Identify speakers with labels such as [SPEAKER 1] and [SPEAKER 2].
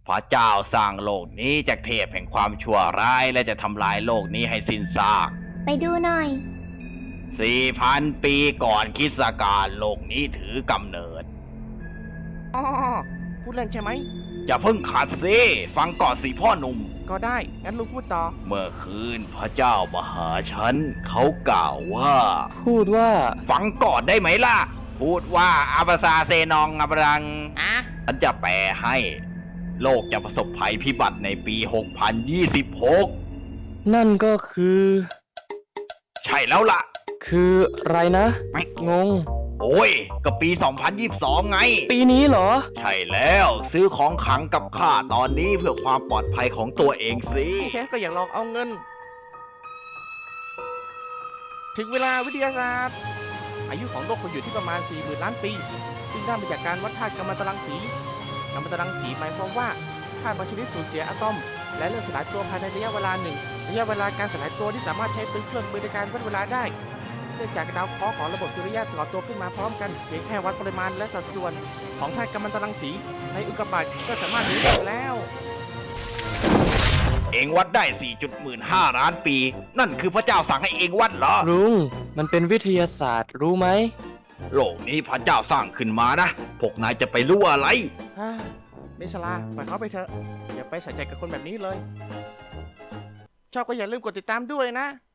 [SPEAKER 1] พระเจ้าสร้างโลกนี้จากเทพแห่งความชั่วร้ายและจะทำลายโลกนี้ให้สิ้นซาก
[SPEAKER 2] ไปดูหน่อย
[SPEAKER 1] 4,000 ปีก่อนคริสตกาลโลกนี้ถือกำเนิด
[SPEAKER 3] อ๋อพูดเล่นใช่ไหม
[SPEAKER 1] อย่าเพิ่งขัดสิฟังก่อนสิพ่อหนุ่ม
[SPEAKER 3] ก็ได้งั้นลุงพูดต่อ
[SPEAKER 1] เมื่อคืนพระเจ้ามาหาฉันเขากล่าวว่า
[SPEAKER 4] พูดว่า
[SPEAKER 1] ฟังก่อนได้ไหมล่ะ พูดว่าอาบาซาเซนองอับรัง
[SPEAKER 3] อ่ะ
[SPEAKER 1] ฉันจะแปลให้ โลกจะประสบภัยพิบัติในปี 6026
[SPEAKER 4] นั่นก็คือ
[SPEAKER 1] ใช่แล้วล่ะ
[SPEAKER 4] คืออะไรนะ งง
[SPEAKER 1] โอ้ยก็ปี 2022 ไง
[SPEAKER 4] ปีนี้เหรอ
[SPEAKER 1] ใช่แล้วซื้อของขลังกับข้าตอนนี้เพื่อความปลอดภัยของตัวเองสิ
[SPEAKER 3] แค่ก็อยากลองเอาเงิน ถึงเวลาวิทยาศาสตร์ อายุของโลกควรอยู่ที่ประมาณ 40,000 ล้านปี ซึ่งได้มาจากการวัดธาตุกัมมันตรังสีกัมมันตรังสีหมายความว่าธาตุบางชนิดสูญเสียอะตอม และเริ่มสลายตัวภายในระยะเวลาหนึ่ง ระยะเวลาการสลายตัวที่สามารถใช้เป็นเครื่องมือในการวัดเวลาได้ เนื่องจากดาวเคราะห์ของระบบสุริยะก่อตัวขึ้นมาพร้อมกันเพียงแค่วัดปริมาณและสัดส่วนของธาตุกัมมันตรังสีในอุกกาบาตก็สามารถรู้ได้แล้ว
[SPEAKER 1] เองวัดได้ 4.15 ล้านปี นั่นคือพระเจ้าสั่งให้เองวัดเหรอ
[SPEAKER 4] ลุง มันเป็นวิทยาศาสตร์รู้ไหม
[SPEAKER 1] โลกนี้พระเจ้าสร้างขึ้นมานะ พวกนายจะไปรู้อะไร
[SPEAKER 3] ฮ่าเมสลาปล่อยเขาไปเถอะ อย่าไปใส่ใจกับคนแบบนี้เลย ชอบก็อย่าลืมกดติดตามด้วยนะ